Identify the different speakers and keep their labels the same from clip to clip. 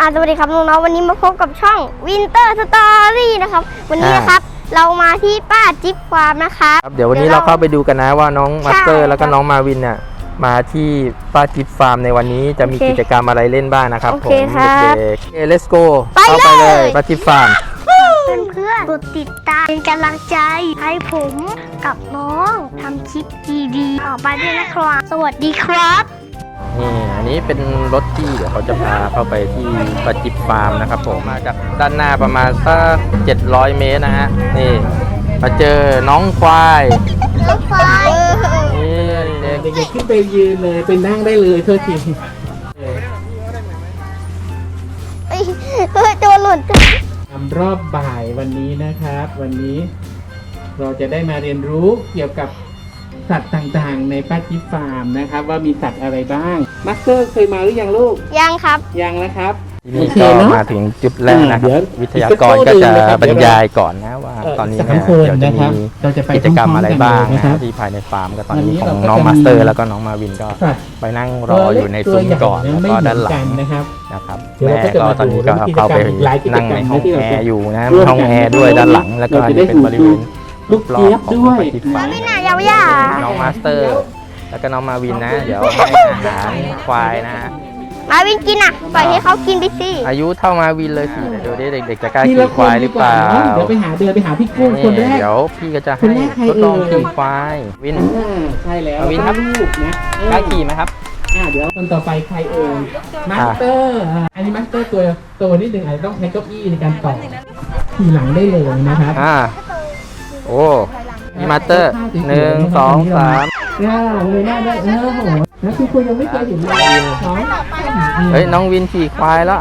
Speaker 1: สวัสดีครับน้องๆวันนี้มาพบกับช่อง Winter Story นะครับวันนี้นะครับเรามาที่ป้าจิ๊บฟาร์มนะครับ
Speaker 2: เดี๋ยววันนี้เราเข้าไปดูกันนะว่าน้องมาสเตอร์แล้วก็น้องมาวินเนี่ยมาที่ป้าจิ๊บฟาร์มในวันนี้จะมีกิจกรรมอะไรเล่นบ้างนะครับผมเด็กๆ let's go เข้าไปเลยป้าจิ๊บฟาร์ม
Speaker 1: เพื่อนๆกดติดตามเป็นกำลังใจให้ผมกับน้องทำคลิปดีๆต่อไปด้วยนะครับสวัสดีครับ
Speaker 2: นี่อันนี้เป็นรถที่เดี๋ยวเขาจะพาเข้าไปที่ป้าจิ๊บฟาร์มนะครับผมมาจากด้านหน้าประมาณสัก700 เมตรนะฮะนี่มาเจอน้องควายนี่
Speaker 3: เด็กๆขึ้นไปยืนเลยเป็นนั่งได้เลยโทษที
Speaker 1: ตัวหล่น
Speaker 3: ทำรอบบ่ายวันนี้นะครับ วันนี้เราจะได้มาเรียนรู้เกี่ยวกับสัตว์ต่างๆในป้าจิ๊บฟาร์มนะครับว่ามีสัตว์อะไรบ้างมาสเตอร์เคยมาหรือยังลูก
Speaker 1: ยังครับ
Speaker 3: ยังนะครับ
Speaker 2: นี่ก็มาถึงจุดแรกนะครับวิทยากรก็จะบรรยายก่อนนะว่าตอนนี้เนี่ยเดี๋ยวจะมีกิจกรรมอะไรบ้างนะที่ภายในฟาร์มก็ตอนนี้ของน้องมาสเตอร์แล้วก็น้องมาวินก็ไปนั่งรออยู่ในซุ้มก่อนแล้วก็ด้านหลังนะครับแม่ก็ตอนนี้ก็เข้าไปนั่งในห้องแอร์อยู่นะห้องแอร์ด้วยด้านหลังแล้วก็นี่เป็นบริเวณ
Speaker 3: ลูกเจี๊ยบด้วย
Speaker 1: ไม่น่ายาว
Speaker 2: น้องมาสเตอร์แล้วก็น้องมาวินนะเดี๋ยวให้อาหารควายนะ
Speaker 1: มาวินกินอ่ะปล่อยให้เขากินไปสิ
Speaker 2: อายุเท่ามาวินเลยสิเดี๋ยวเด็กๆจะกล้าขี่ควายหรือเปล่า
Speaker 3: เดี๋ยวไปหาพี่กุ้งคนแรก
Speaker 2: เดี๋ยวพี่ก็จะให้ทดลองขี่ควายวิน
Speaker 3: ใช่แล้ว
Speaker 2: วินครับ
Speaker 3: ลูกนะ
Speaker 2: กล้าขี่ไหมครับ
Speaker 3: เดี๋ยวคนต่อไปใครเอ่ยมาสเตอร์อันนี้มาสเตอร์ตัวนิดนึงอาจจะต้องใช้เก้าอี้ในการต่อขี่หลังได้เลยนะครับ
Speaker 2: โอ้มีมาสเตอร์1 2 3
Speaker 3: เลยหน้าได้โอ้โหนะคือคุณยังไม่เคยเห็นเลย
Speaker 2: น้องวินขี่ควายแล้ว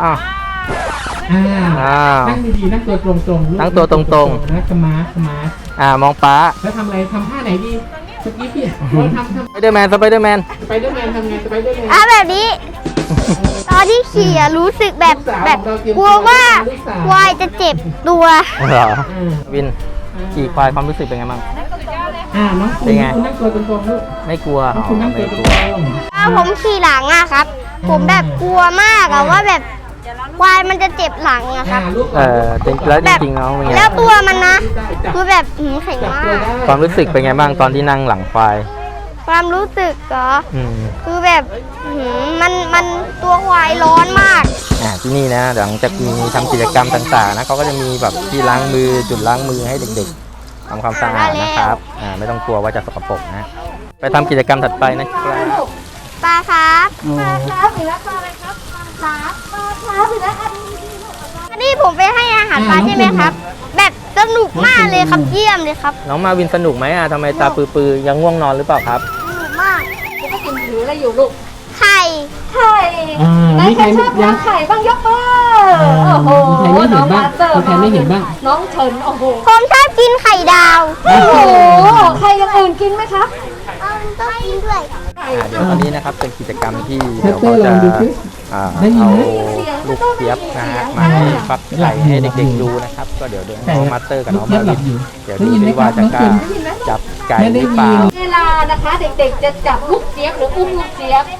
Speaker 3: นั่งดีๆนั่งตัวตรงๆ
Speaker 2: นั่งตัวตรง
Speaker 3: ๆนะขมา
Speaker 2: มองป้า
Speaker 3: แล้วทำอะไรทำท่าไหนดีเมื่อกี้พี่ทำ
Speaker 2: สไปเดอร์แมนทำไงสไปเดอร์แมน
Speaker 3: ทำไง
Speaker 1: แบบนี้ตอนที่ขี่รู้สึกแบบกลัวว่าควายจะเจ็บตัว
Speaker 2: เหรอวินขี่ควายความรู้สึกเป็นไงบ้าง
Speaker 3: น้องเป็นไงนั่งตัวตรงๆลูก
Speaker 2: ไม่กลัว
Speaker 3: คุณนั่งตัวตรง
Speaker 1: ผมขี่หลังครับผมแบบกลัวมากว่าแบบควายมันจะเจ็บหลังครับ
Speaker 2: แล้วจริงๆ
Speaker 1: แล้วตัวมันนะคือแบบแข็งมาก
Speaker 2: ความรู้สึกเป็นไงบ้างตอนที่นั่งหลังควาย
Speaker 1: ความรู้สึกก็คือแบบมันตัวควายร้อนมาก
Speaker 2: ที่นี่นะหลังจากมีทำกิจกรรมต่างๆนะเขาก็จะมีแบบที่ล้างมือจุดล้างมือให้เด็กๆทำความสะอาดนะครับไม่ต้องกลัวว่าจะสกปรกนะไปทำกิจกรรมถัดไปนะครับ
Speaker 1: ปลาครับหรือว่าปลาอะไรครับปลาหรือว่าอันนี้ผมไปให้อาหารปลาใช่ไหมครับแบบสนุกมากเลยครับเยี่ยมเลยครับ
Speaker 2: น้องมาวินสนุกไหมทำไมตาปื้อๆยังง่วงนอนหรือเปล่าครับ
Speaker 1: สนุกมาก
Speaker 4: ก็กินถืออะไรอยู่ลูก
Speaker 1: ไข่
Speaker 4: ใครชอบทานไข่บ้างยกมือโอ้โหน้องมาสเตอร์
Speaker 3: ไม่เห็นบ้าง
Speaker 4: น้องเฉินโอ้โห
Speaker 1: ผมชอบกินไข่ดาว
Speaker 4: โอ้โหใครยังอื่นกินไหมครับ
Speaker 1: ต้องกินด้วย
Speaker 2: เดี๋ยววันนี้นะครับเป็นกิจกรรมที่เดี๋ยวเขาจะเอาลูกเจี๊ยบนะฮะมาให้ฟักไข่ให้เด็กๆดูนะครับก็เดี๋ยวน้องมาสเตอร์กับน้องมาวินเดี๋ยวดูซิว่าจะกล้าจับไก่หรือเปล่า
Speaker 4: เวลานะคะเด็กๆจะจับลูกเจี๊ยบหรืออุ้มลูกเจี๊ยบ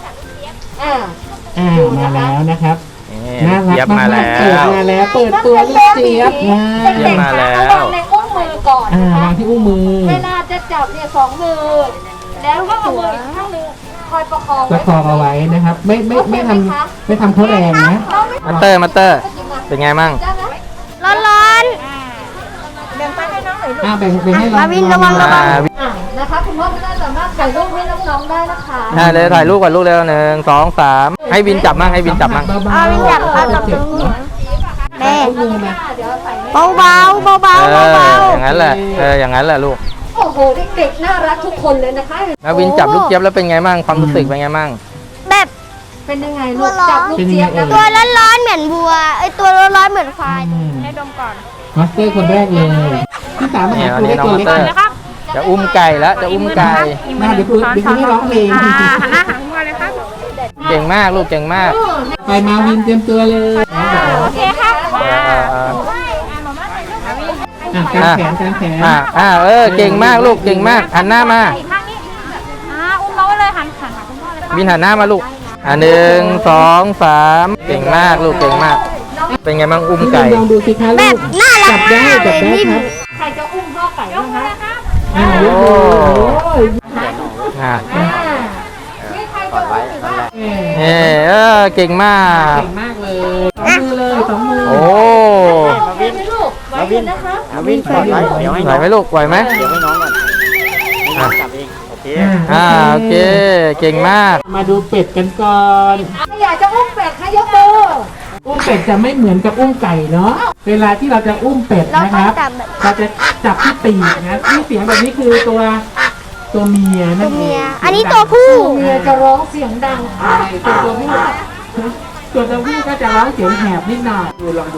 Speaker 3: มาแล้วนะครับ
Speaker 2: เจี๊ยบมาแล้ว
Speaker 3: เปิดตัวลูกเจี๊ยบ
Speaker 2: มาแล้ว
Speaker 4: วางในอุ้งมือก่อน
Speaker 3: วางที่อุ้งมือ
Speaker 4: เวลาจะจับเนี่ย2 มือแล้วก็เอามืออีกข้างนึงคอยประคอง
Speaker 3: เอาไว้นะครับไม่ทำเขาแรงนะ
Speaker 2: มาเตอร์เป็นไงมั่ง
Speaker 1: ร้อน
Speaker 4: แบ่งไปให้น้องหน่อยลูก
Speaker 3: แบ่งให้
Speaker 1: มาวินระวัง
Speaker 4: นะคะคุณพ่อไม่ได้สามารถถ่ายรูปให้น้องๆได้นะคะ
Speaker 2: เลยถ่ายรูปกับลูกเร็ว1 2 3ให้วินจับมั่ง
Speaker 1: วินจับแม่เบา
Speaker 2: อย่างนั้นแหละลูก
Speaker 4: โอ้โหเด็กๆน่ารักทุกคนเลยนะคะ
Speaker 2: นาวินจับลูกเจี๊ยบแล้วเป็นไงมั่งความรู้สึกเป็นไงมั่ง
Speaker 1: แบบ
Speaker 4: เป็นยังไงลูกจับลูกเจี๊ยบ
Speaker 1: ตัวร้อนๆเหมือนบัวตัวร้อนๆเหมือนควายให้ดมก่อน
Speaker 3: มาสเตอร์คนแรกเลยที่3มา
Speaker 2: ตัวเล็กนะครับจะอุ้มไก่แล้วจะอุ้มไก่
Speaker 3: เดี๋ยวให้ร้องเพลง
Speaker 1: หันหน้าหางมาเลยครับ
Speaker 2: เก่งมากลูกเก่งมาก
Speaker 3: ไปมาวินเตรียมตัวเลย
Speaker 1: โอเคครับ
Speaker 3: การแขน
Speaker 2: เก่งมากลูกเก่งมากหันหน้ามา
Speaker 1: อุ้มน้องเลยหันคุณพ่อเลย
Speaker 2: วินหันหน้ามาลูก 1 2 3เก่งมากลูกเก่งมาก เป็นไงบ้างอุ้มไก่
Speaker 3: ลองดูสิคะ
Speaker 1: แบ
Speaker 3: ลู
Speaker 1: บ
Speaker 3: ก
Speaker 1: น่ารั
Speaker 3: จั
Speaker 1: ก
Speaker 3: บได้
Speaker 1: มากเล
Speaker 3: จับ
Speaker 1: ย
Speaker 3: ได้
Speaker 1: นิ่ม
Speaker 3: ครับ
Speaker 4: ใครจะอุ้มพ่อไก่บ้างคะ
Speaker 3: ยกมือโอ้ย
Speaker 2: อ่า
Speaker 4: นี่ใครจะอุ้มหรือว่า
Speaker 2: เก่งมาก
Speaker 3: เก่งมากเลยสองมือเลยสองมือ
Speaker 2: โอ้
Speaker 4: ไหวไหมลูกไหวอยู่นะคะ
Speaker 5: วินกดไว้เดี๋ยวให้
Speaker 2: ไหว
Speaker 5: น้อง
Speaker 2: ไหมลูกไหวไหม
Speaker 5: เดี๋ยวให้น้องก่อนให้น้องจับเองโอเค
Speaker 2: โอเคเก่งมาก
Speaker 3: มาดูเป็ดกันก่อน
Speaker 4: อยากจะอุ้มเป็ดให้ยกมือ
Speaker 3: อุ้มเป็ดจะไม่เหมือนกับอุ้มไก่เนาะเวลาที่เราจะอุ้มเป็ด
Speaker 1: เรา
Speaker 3: นะค
Speaker 1: ต้อง
Speaker 3: รับ
Speaker 1: จับแบบ
Speaker 3: เราจะจับที่ปีกนะที่เสียงแบบนี้คือตัวเมีย
Speaker 1: ตั
Speaker 3: นั่
Speaker 1: วน
Speaker 3: เอ
Speaker 1: เมีย
Speaker 3: ง
Speaker 1: อันนี้ตัวผู้
Speaker 4: เมียจะร้องเสียงดัง
Speaker 3: ใช่ตัวผู้ตัวผู้ก็จะร้องเสียงแหบนิดหน่อยดูลองดู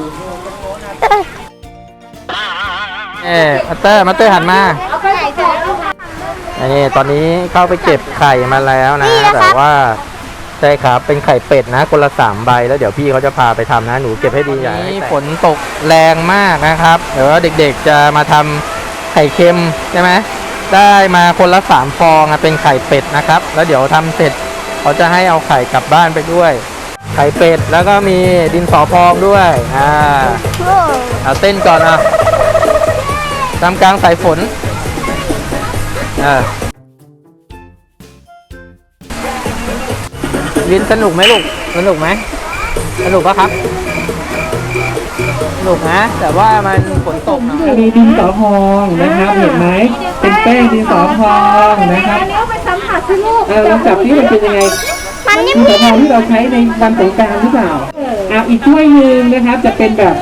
Speaker 2: มาเตอร์หันมา
Speaker 4: เอาไปใส่ถุงแล้วค่ะ
Speaker 2: นี่ตอนนี้เข้าไปเก็บไข่มาแล้วนะ
Speaker 1: นี่นะครับ
Speaker 2: แต่ว่าใช่ครับเป็นไข่เป็ดนะคนละ3 ใบแล้วเดี๋ยวพี่เขาจะพาไปทำนะหนูเก็บให้ดีอย่าให้ฝนตกแรงมากนะครับเดี๋ยวเด็กๆจะมาทำไข่เค็มใช่ไหมได้มาคนละ3 ฟองเป็นไข่เป็ดนะครับแล้วเดี๋ยวทำเสร็จเขาจะให้เอาไข่กลับบ้านไปด้วย ไข่เป็ดแล้วก็มีดินสอพองด้วยเอาเต้นก่อนอ่ะทำกลางสายฝนวินสนุกไหมลูกสนุกไหมสนุกปะครับสนุกนะแต่ว่ามันฝนตกหน่อย
Speaker 3: มีดินสอพองนะครับเห็นไหมเป็นแป้งดินสอพองนะครับ
Speaker 4: อันนี้เอาไปสัมผัสสิลูก
Speaker 3: ลองจับที่มันเป็นยังไง
Speaker 1: มันนิ่
Speaker 3: ดินสอพอง
Speaker 1: ม
Speaker 3: ที่เราใช้ในวันสงกรานต์หรือเปล่าอีกถ้วยหนึ่งนะครับจะเป็นแบบ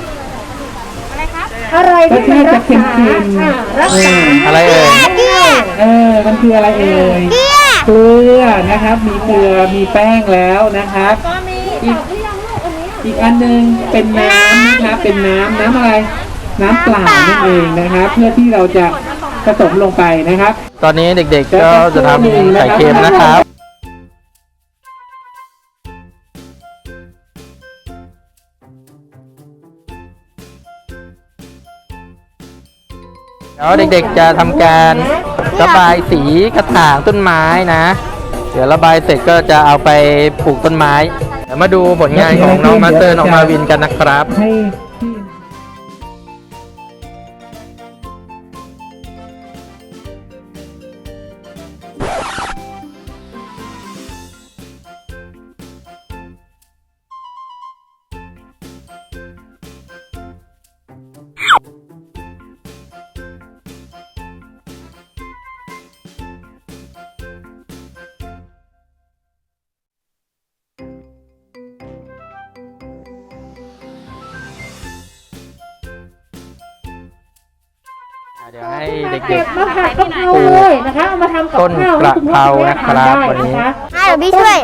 Speaker 4: อะไร
Speaker 3: รสชาติจะเค็ม
Speaker 4: รักษา
Speaker 2: อะไรเอ่ย
Speaker 1: ๆเกลือ
Speaker 3: มันคืออะไรเอ่ย
Speaker 1: เกลือ
Speaker 3: เกลือนะครับ มีเกลือมีแป้งแล้วนะครับ
Speaker 4: ก็มีจับหรือยังลูกอันนี้
Speaker 3: อีกอันหนึงเป็นน้ำนะครับ เป็นน้ำอะไร น้ำเปล่านั่นเองนะครับ เพื่อที่เราจะผสมลงไปนะครับ
Speaker 2: ตอนนี้เด็กๆก็จะทำไข่เค็มนะครับ แล้วเด็กๆจะทำการระบายสีกระถางต้นไม้นะ เดี๋ยวระบายเสร็จก็จะเอาไปปลูกต้นไม้ เดี๋ยวมาดูผลงานของน้องมาสเตอร์น้องมาวินกันนะครับ
Speaker 3: ให้ที่
Speaker 2: เดี๋ยวให้เด็
Speaker 4: เก็
Speaker 2: ก
Speaker 4: บมาผัดกะเพราเลยนะคะเอามาทำกับ
Speaker 2: ต้น
Speaker 4: ข้าว
Speaker 2: กระเพรานะครับวันนี้
Speaker 1: เดี๋ยวพี่ช่วย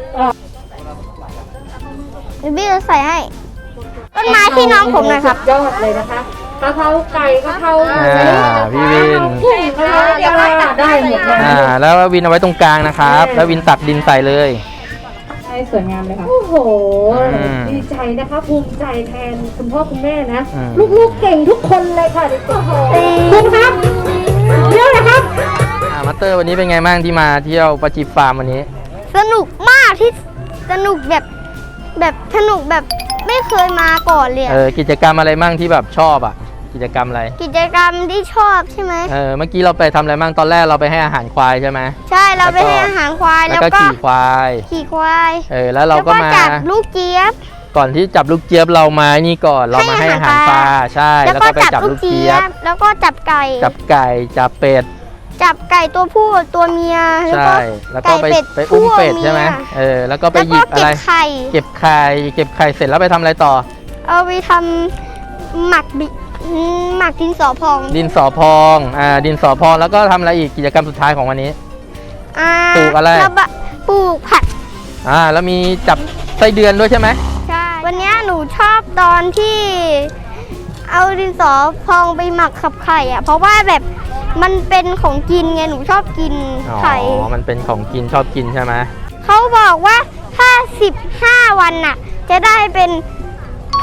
Speaker 1: เดี๋ยวพี่จะใส่ให้ ต้นไม้ที่น้องผมหน่อยครับ
Speaker 4: ยอดเลยนะคะกะเพราไก่กะเพรา
Speaker 2: พี่วิน
Speaker 4: กุ้งกะเพราเดี๋ยวได้หมดเลย
Speaker 2: แล้ววินเอาไว้ตรงกลางนะครับ แล้ววินตักดินใส่เลย
Speaker 4: ให้สวยงามเลยค่ะโอ้โห
Speaker 2: อืม
Speaker 4: ดีใจนะคะภูมิใจแทนคุณพ่อคุณแม่นะ
Speaker 2: อืม
Speaker 4: ลูกๆเก่งทุกคนเลยค่ะโอ้โหคุณครับเดี๋ยวนะครับ
Speaker 2: มาสเตอร์วันนี้เป็นไงบ้างที่มาเที่ยวปาจิฟาร์มวันนี้
Speaker 1: สนุกมากที่สนุกแบบสนุกแบบไม่เคยมาก่อนเลยอะ
Speaker 2: กิจกรรมอะไรบ้างที่แบบชอบอ่ะ กิจกรรมอะไร
Speaker 1: กิจกรรมที่ชอบใช่ไหม
Speaker 2: เมื่อกี้เราไปทำอะไรบ้างตอนแรกเราไปให้อาหารควายใช่ไหม
Speaker 1: ใช่เราไปให้อาหารควาย
Speaker 2: แล้
Speaker 1: แล้ว ว
Speaker 2: ก็
Speaker 1: ก็
Speaker 2: ขี่ควาย
Speaker 1: ขี่ควาย
Speaker 2: แล้วเราก็มา
Speaker 1: จับลูกเจี๊ยบ
Speaker 2: ก่อนที่จับลูกเจี๊ยบเรามานี่ก่อนเรามาให้อาหารปลาใช่
Speaker 1: แล้ว
Speaker 2: แล้ว
Speaker 1: ก็
Speaker 2: ก็ไป
Speaker 1: จับ
Speaker 2: จับ
Speaker 1: ลู
Speaker 2: ลู
Speaker 1: ก
Speaker 2: ก
Speaker 1: เจี๊
Speaker 2: เจี๊
Speaker 1: ย
Speaker 2: ย
Speaker 1: บบ แล้วก็จับไก่
Speaker 2: จับไก่จับเป็ด
Speaker 1: จับไก่ตัวผู้ตัวเมียแล้วก็
Speaker 2: ใช่แล้วก็ไปอุ้มเป็ดใช่ไหมแล้วก็ไป
Speaker 1: แล้ว
Speaker 2: หยิ
Speaker 1: ก็
Speaker 2: บอะไร
Speaker 1: เก็บไข่
Speaker 2: เก็บไข่เสร็จแล้วไปทำอะไรต่อ
Speaker 1: เอาไปทำหมักดินสอพอง
Speaker 2: ดินสอพอง ดินสอพองแล้วก็ทำอะไรอีกกิจกรรมสุดท้ายของวันนี้ ปลูกอะไร
Speaker 1: ปลูกผัก
Speaker 2: แล้วมีจับไส้เดือนด้วยใช่ไหม
Speaker 1: ใช่ วันนี้หนูชอบตอนที่เอาดินสอพองไปหมักกับไข่อะเพราะว่าแบบมันเป็นของกินไงหนูชอบกินไข่
Speaker 2: มันเป็นของกินชอบกินใช่ไหม
Speaker 1: เขาบอกว่าถ้า15 วันน่ะจะได้เป็น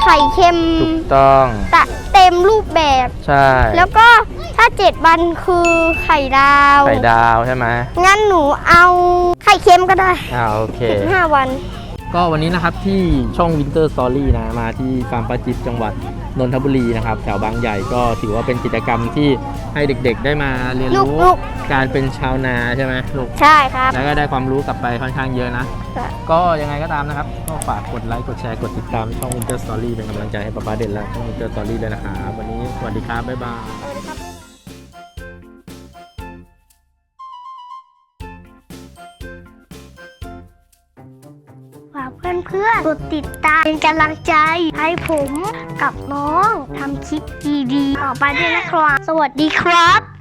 Speaker 1: ไข่เค็ม
Speaker 2: ถูกต้อง
Speaker 1: เต็มรูปแบบ
Speaker 2: ใช่
Speaker 1: แล้วก็ถ้า7 วันคือไข่ดาว
Speaker 2: ไข่ดาวใช่ไหม
Speaker 1: งั้นหนูเอาไข่เค็มก็ได้
Speaker 2: โอเค
Speaker 1: 5 วัน
Speaker 2: ก็วันนี้นะครับที่ช่อง Winter Story นะมาที่ฟาร์มป้าจิ๊บจังหวัดนนทบุรีนะครับแถวบางใหญ่ก็ถือว่าเป็นกิจกรรมที่ให้เด็กๆได้มาเรียนรู้
Speaker 1: ลูก
Speaker 2: การเป็นชาวนาใช่ไหมลูก
Speaker 1: ใช่ครับ
Speaker 2: แล้วก็ได้ความรู้กลับไปค่อนข้างเยอะนะ
Speaker 1: ค่ะ
Speaker 2: ก็ยังไงก็ตามนะครับก็ฝากกดไลค์กดแชร์กดติดตามช่อง Winter Story เป็นกำลังใจให้ป๊าป๊าเด่นและช่อง Winter Story ด้วยนะครับวันนี้สวัสดีครับบ๊ายบาย
Speaker 1: ฝากเพื่อนๆกดติดตามเป็นกำลังใจให้ผมกับน้องทำคลิปดีๆต่อไปด้วยนะครับ สวัสดีครับ